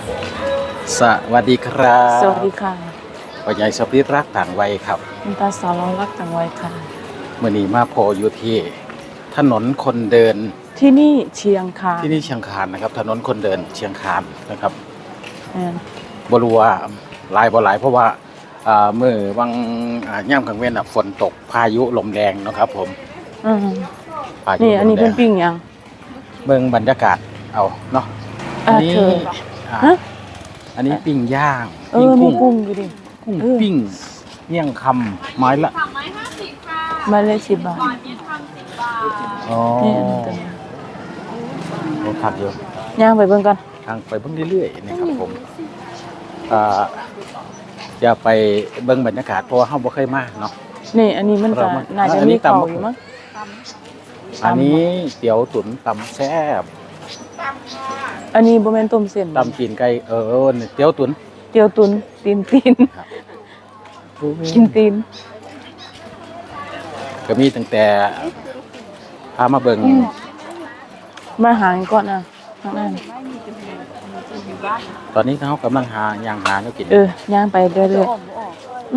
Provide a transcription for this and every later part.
สวัสดีครับสวัสดีค่ะพ่อใหญ่สปิรักต่างวัยครับคุณตาสาวเรารักต่างวัยค่ะมื่อนี้มาโพอยู่ที่ถนนคนเดินที่นี่เชียงคานที่นี่เชียงคานนะครับถนนคนเดินเชียงคานนะครับอืมบ่รู้ว่าหลายบ่หลายเพราะว่าเมื่อวังย่ำกลางเว้นฝนตกพายุลมแรงนะครับผมอืมพายุนี่อันนี้ลมแรเป็นปิ้งยังเมืองบรรยากาศเอาเนาะอันนี้ฮะอันนี้ปิ้งย่างมีปิ้งกุ้งกุ้งอยู่ดิกุ้งปิ้งเมี่ยงคำไม้ละ 350ค่ะไม้ละ10 บาทอ๋อนี่อันนี้ตัวนี้โอ้ผักเยอะย่างไปเบิ่งก่อนทางไปเบิ่งเรื่อยๆนะครับผมจะไปเบิ่งบรรยากาศเพราะว่าเฮาบ่เคยมาเนาะนี่อันนี้มันก็น่าจะมีเขาอยู่มั้งอันนี้เตี๋ยวตุ๋นตำแซ่บอันนี้บ่แม่นต้มเส้นตำตีนไก่เตี๋ยวตุ๋นตีนกินตีนก็มีตั้งแต่พามาเบิ่งมาหาก่อนนะข้างหน้าตอนนี้เขากำลังหาย่างหาเนื้อกินย่างไปเรื่อยๆ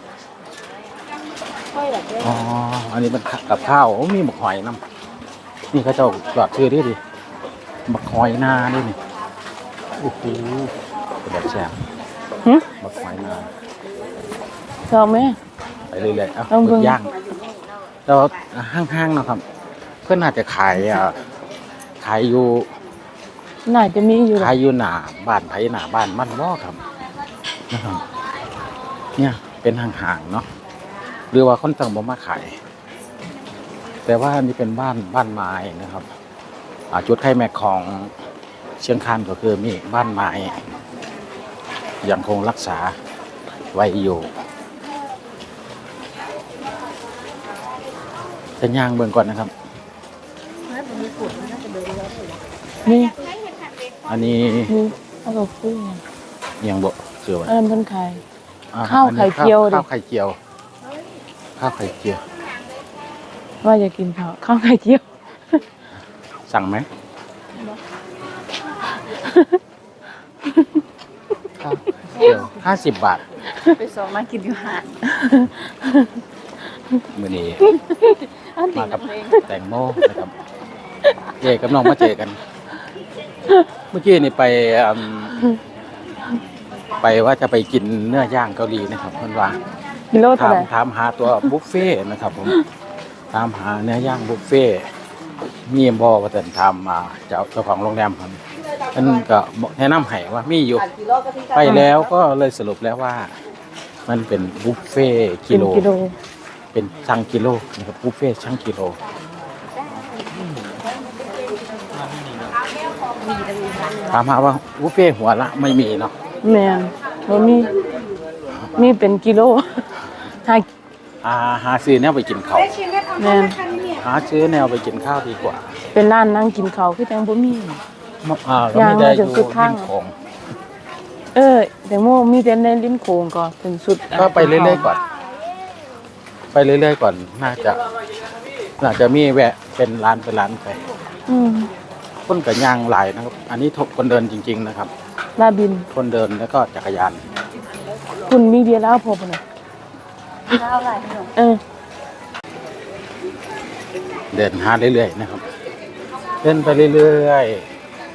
อ๋ออันนี้มันกับข้าวมีหมกหอยน้ำนี่เขาเจ้าหลอดชื่อดิหมกหอยนาด้วยนี่โอ้โหเป็นแบบแซ่บหมกหอยนาชอบไหมไปเรื่อยๆเอาหมึกย่างแล้วห้างๆนะครับเพื่อนน่าจะขายอยู่น่าจะมีอยู่ขายอยู่หน้าบ้านไผหน้าบ้านมันบ่ครับนะครับเนี่ยเป็นห่างๆเนาะหรือว่าคนต่างบ่มาขายแต่ว่านี่เป็นบ้านไม้นะครับจุดไข่แม็กของเชียงคานก็คือมีบ้านไม้ยังคงรักษาไว้อยู่จะย่างเบิ่งก่อนนะครับนี่อันนี้ข้าวฟูยังบ่เชื่อว่าอันนั้นเพิ่นขายข้าวไข่เจียวดิข้าวไข่เจียวว่าจะกินข้าวไข่เจียวสั่งไหม50 บาทไปส่งมากินอยู่หาดมื้อนี้มากับแตงโมนะครับกับน้องมาเจอกันเมื่อกี้นี่ไปว่าจะไปกินเนื้อย่างเกาหลีนะครับเพิ่นว่าถามหาตัวบุฟเฟ่นะครับผมถามหาเนื้อย่างบุฟเฟ่มีบ่ว่าแต่ถามเจ้าของโรงแรมครับเพิ่นก็แนะนำให้ว่ามีอยู่ไปแล้วก็เลยสรุปแล้วว่ามันเป็นบุฟเฟ่กิโลเป็นชั่งกิโลนะครับบุฟเฟ่ชั่งกิโลถามหาว่าบุฟเฟ่หัวละไม่มีเนาะแม่นบ่มีเป็นกิโลหาซื้อแนวไปกินข้าวแม่นหาซื้อแนวไปกินข้าวดีกว่าเป็นร้านนั่งกินข้าวคือจังบ่มีก็ไม่ได้อยู่ริมโขงแต่โมมีแต่ในริมโขงก็เป็นสุดก็ไปเรื่อยๆก่อนน่าจะมีแวะเป็นร้านไปคนกับย่างหลายนะครับอันนี้คนเดินจริงๆนะครับลาบินคนเดินแล้วก็จักรยานคุณมีเบียร์แล้วพอป่ะเนี่ยเหล้าอะไรเดินหาเรื่อยๆนะครับเดินไปเรื่อยๆ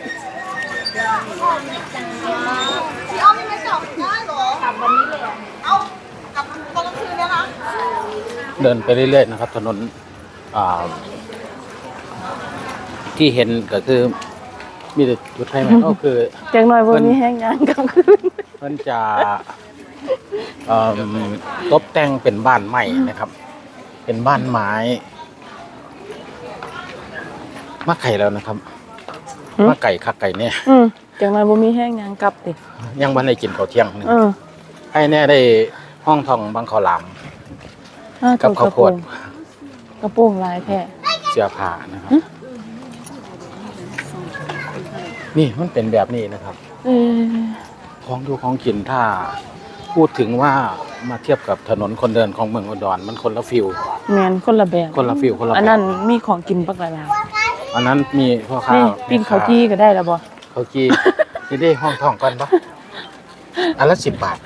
เดินไปเรื่อยๆนะครับถนนที่เห็นก็คือมีแต่จุดไฟไหมก็คือจังหน่อยบนนี้แห้งยางกลางคืนมันจะตกแต่งเป็นบ้านใหม่นะครับเป็นบ้านไม้มาไก่แล้วนะครับมาไก่คักไก่เนี่ยจังหน่อยบนนี้แห้งยางกลับดิยังวันได้กินข้าวเที่ยงนึงให้แน่ได้ห้องทองบางข้าวหลามกับข้าวโพดกระโปรงลายแท้เสื้อผ้านะครับนี่มันเป็นแบบนี้นะครับของดูของกินถ้าพูดถึงว่ามาเทียบกับถนนคนเดินของเมืองอุดรมันคนละฟิลแมนคนละแบบคนละฟิลอันนั้นมีของกินปักหลายอันนั้นมีพ่อค้าปิ้งข้าวจี้ก็ได้แล้วบ่ข้าวจี้จะได้ห้องทองก่อนปะอันละ10 บาท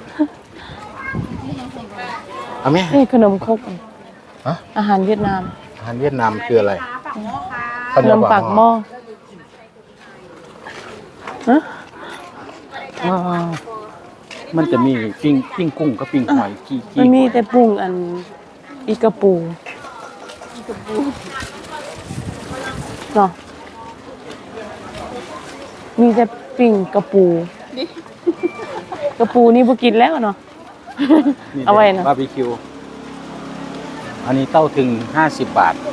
เอาไหมนี่ขนมครกฮะอาหารเวียดนามอาหารเวียดนามคืออะไรขนมปากหม้อฮะอ๋อมันจะมีปิ้งกุ้งกับปิ้งหอยกี้มันมีแต่ปรุงอันอีกระปูเนาะมีแต่ปิ้งกระปูกระปูนี่บ่กินแล้วเนาะ เอาไว้นะบาร์บีคิวอันนี้เต้าถึง50 บาท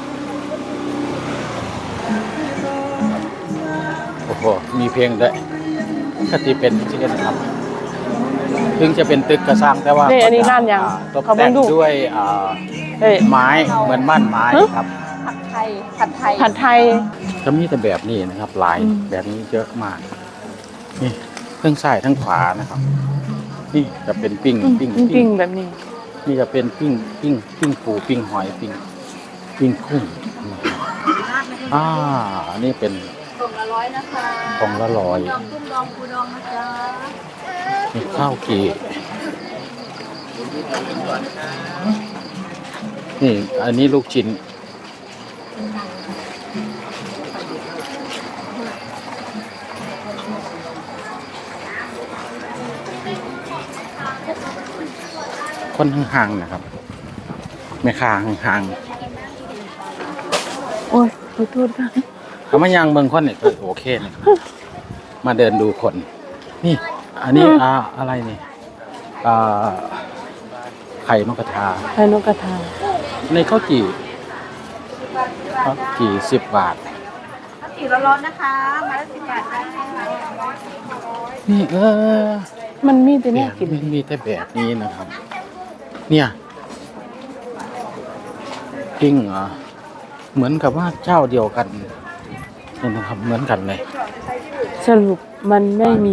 โอ้โหมีเพลงด้วยก็ที่เป็นที่นี่นะครับถึงจะเป็นตึกกระซังแต่ว่านี่อันนี้ร้านยังตกแต่งด้วยเอ้ยไม้เหมือนม่านไม้ครับผัดไทย ผัดไทยผัดไทยจะมีแต่แบบนี้นะครับลายอืมแบบนี้เยอะมากนี่ทั้งซ้ายทั้งขวานะครับ นี่จะเป็นปิ้งปิ้งแบบนี้นี่จะเป็นปิ้งปูปิ้งหอยปิ้งกุ้งอันนี้เป็นกล่องละ100นะคะกล่องละ100 ดองกุ้งดองปูดองนะจ๊ะมีข้าวกีนี่อันนี้ลูกชิ้นคนห่างๆนะครับแม่ค้าห่างโอ้ยขอโทษค่ะๆเขามายังเมืองคนเนี่ยก็โอเคนะครับมาเดินดูคน นี่ อันนี้อะไรนี่ไข่นกกระทาไข่นกกระทาในข้าวจี่10 บาทข้าวจี่ร้อนๆนะคะ มาละ10 บาทได้ค่ะนี่มันมีแต่แบแน่บกินมันมีแต่แบบนี้นะครับ เนี่ยปิ้งเหมือนกับว่าเจ้าเดียวกันนี่นะครับ เหมือนกันเลยสรุปมันไม่มี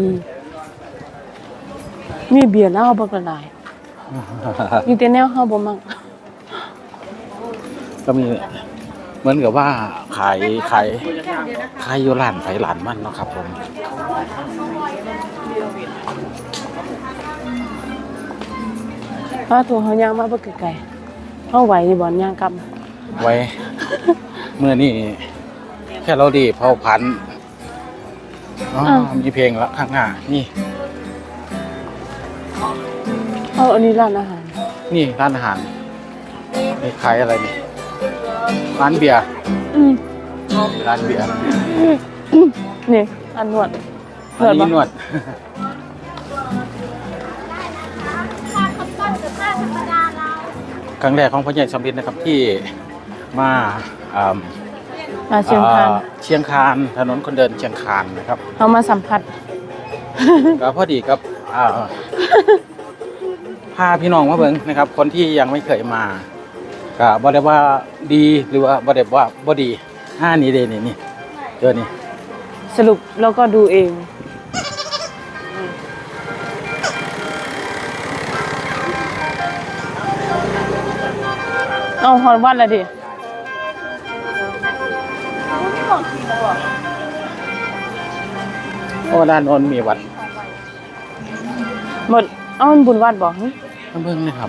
มีเบียร์เหล้าบักละลายมีแต่แนวเฮาบ่มักก็มีเหมือนกับว่าขายอยู่ร้านไผร้านมันเนาะครับผมว่าตัวเฮาย่างมาบ่ไกลๆเฮาไหวอยู่บ่ย่างกลับไว้ เมื่อนี่แค่เราดีเผาพันธุ์มีเพลงละข้างหน้านี่เอาอันนี้ร้านอาหารนี่ร้านอาหารนี่ขายอะไรนี่ร้านเบียร์อืมร้านเบียร์นี่อันนวดอันนี้นวด ครั้งแรกของพ่อใหญ่สำลิดนะครับที่มามาเชียงคานเชียงคานถนนคนเดินเชียงคานนะครับเอามาสัมผัสก็พอดีกับพาพี่น้องมาเบิ่งนะครับ คนที่ยังไม่เคยมาก็บ่ได้ว่าดีหรือว่าบ่ได้ว่าบ่ดีนี่เด้นี่เจอนี่สรุปแล้วก็ดูเอง เอาฮอนวัดละดิโอ้ด้านโน้นมีวัดหมด เอามันบุญวัดบอกมาเบิ่งนะครับ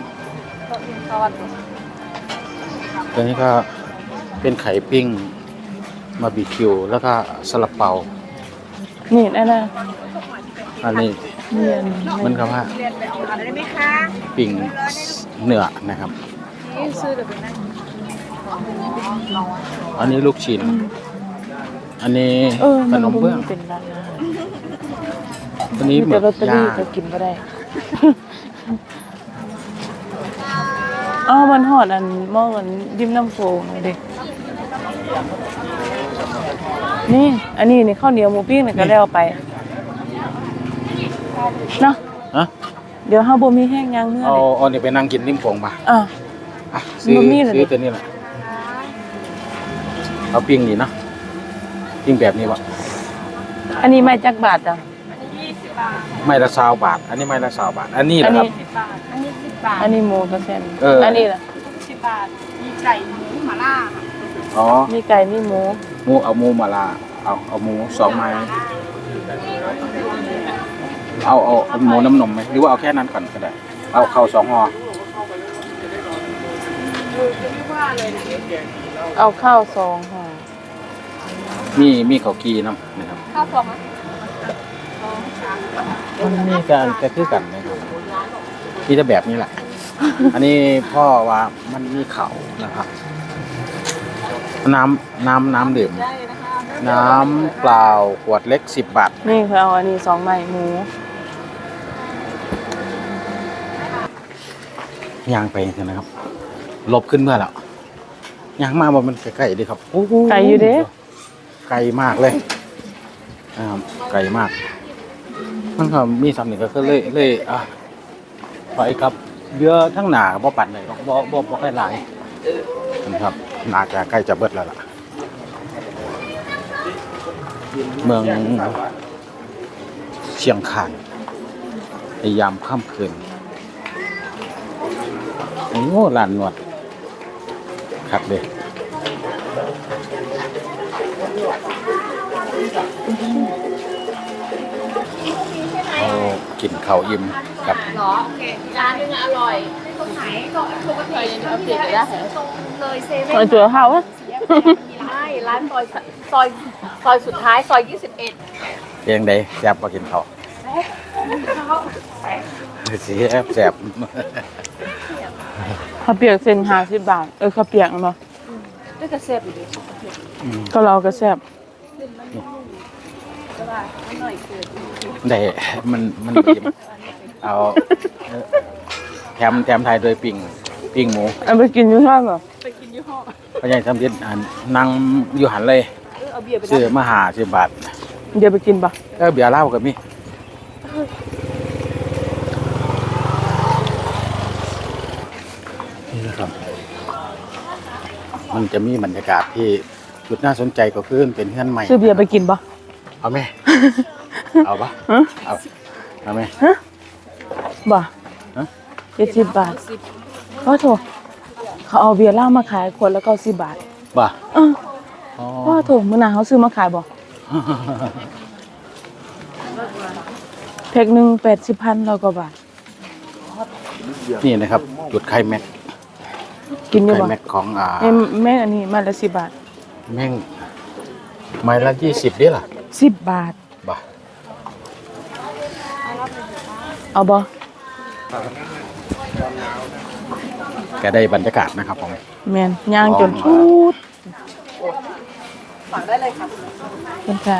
ตัวนี้ก็เป็นไข่ปิ้งบาร์บีคิวแล้วก็ซาลาเปานี่นั่นน่ะอันนี้นี่อันมันคำว่าเรียนไปเอาอะไรได้ไหมคะปิ้งเนื้อนะครับนี่ซื้อเดี๋ยวเป็นนั่งอันนี้ลูกชิ้น อันนี้ขนมเบื้องเป็นร้านอาหารอันนี้มีหมึแต่กลอตเตอรี่ย่างก็กินบ่ได้ เอามันหอดอันหม้ออันดิมน้ำโฟเลยเด็กนี่ อันนี้นี่ข้าวเหนียวหมูปิ้งนี่ก็แล้วไปเนาะฮะเดี๋ยวเฮาบ่มีแห้งยางเมื่อเอาเลยเอาเนี่ยไปนั่งกินริมโขงมาอ่ะซื้อมันมีเหรอซื้อตัวนี้แหละเอาปิ้งนี่เนาะปิ้งแบบนี้วะอันนี้ไม่จักบาทจ้ะไม่ละ20 บาท อันนี้ไม่ละ20 บาท อันนี้อันะนครันี้บอันนี้10 บาทอันนี้หมูเปอร์เซ็นต์อันนี้ล่ะ 10 บาท มีไก่หมูหม่าล่าค่ะอ๋อมีไก่มีหมูหมูเอาหมูมาลาเอาหมู2 ไม้เอาหมูน้ำนมไหมหรือว่าเอาแค่นั้นก่อนก็ได้เอาข้าว2 ห่อเอาข้าวซองค่ะมีข้าวกีน้ำนะครับข้าวฟองไหมมันมีการกระทือกันนะครับมีแต่แบบนี้แหละ อันนี้พ่อว่ามันมีเขานะครับ น้ำดื่มได้นะคะน้ำเปล่าขวดเล็ก10 บาทนี่คือเอาอันนี้2ไม้หมูย่างไปกันนะครับ ลบขึ้นเมื่อแล้วย่างมาบ่มันไกลๆดีครับโอ้โหไก่อยู่เด้ไกลมากเลยไกลมาก มันก็มีสำนึกก็เลยไปครับเรือทั้งหนาบ่ปั่นเลยบ่ค่อยหลายนะครับน่าจะใกล้จะเบิดแล้วล่ะเมืองเชียงคานในยามค่ำคืนโอ้ลานนวดครับเลยโอ้กินข้าวอิ่มครับหรอโอเคร้านนึงอร่อยตรงไหนก็ปกติเอาเปลี่ยนได้ตรงเลยเซเว่นเอาตัวข้าวอะใช่ร้านซอยสุดท้ายซอย21 เพียงใดแซ่บมากินข้าวแซ่บข้าวเปียกเส้น50 บาทข้าวเปียกเนาะได้กระเซ็บอยู่ดิก็เราก็แซ่บได้มันบ่อิ่มเอาแถมไทยโดยปิ้งหมูเอาไปกินอยู่ห้างเหรอพระยายทำยินนั่งอยู่หันเลยเอาเบียร์ไปซื้อมา50 บาทเดี๋ยวไปกินปะเบียร์เหล้ากับมีนี่นะครับมันจะมีบรรยากาศที่จุดน่าสนใจก็คือเป็นเฮือนใหม่ซื้อเบียร์ไปกินปะเอาไหม เอาปะฮะเอาไหมบ่ฮะ 70 บาทโอ้โถเขาเอาเบียร์เหล้ามาขายขวดละ90 บาทบ่าเออโอ้โถมื้อหน้าเขาซื้อมาขายบ่แพ็คหนึง80,000แล้วก็บาทนี่นะครับ จุดไข่แม็กกินอยู่ไข่บ่แม็กของแม่งอันนี้มาละ10 บาทแม่งไม้ละ20ดิล่ะ 10 บาทบ่าเอาบ่ก็ได้บรรยากาศนะครับผมแม่นย่างจนชุดฝากได้เลยค่ะเป็นค่ะ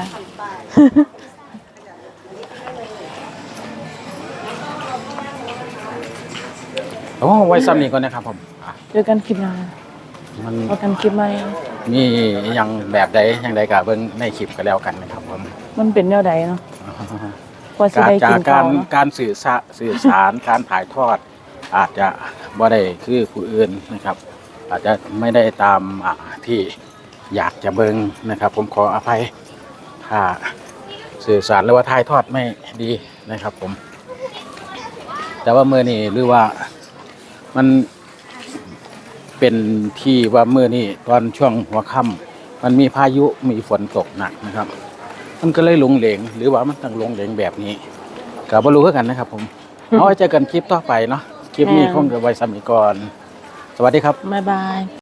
โอ้ไว้ซ้ำนี้ก่อนนะครับผมเจอกันคลิปหน้ามันเอากันคลิปใหม่มีอย่างแบบใดอย่างใดก็เบิ่งในคลิปก็แล้วกันนะครับผมมันเป็นแนวใดเนาะกว่าสิได้จากิกนกาข้าร วเนาะการสื่อสาร การถ่ายทอด อาจจะบ่ได้คือผู้อื่นนะครับ อาจจะไม่ได้ตามที่อยากจะเบิ่งนะครับ ผมขออภัยถ้าสื่อสารหรือว่าถ่ายทอดไม่ดีนะครับ ผม แต่ว่ามื้อนี้หรือว่ามันเป็นที่ว่ามื้อนี้ตอนช่วงหัวค่ำมันมีพายุมีฝนตกหนักนะครับ มันก็เลยหลงเหลงหรือว่ามันต้องหลงเหลงแบบนี้ก็บ่รู้คือกันนะครับผมเอาไว้เจอกันคลิปต่อไปเนาะคลิปนี้คงจะไว้ซ้ำอีกก่อนสวัสดีครับบ๊ายบาย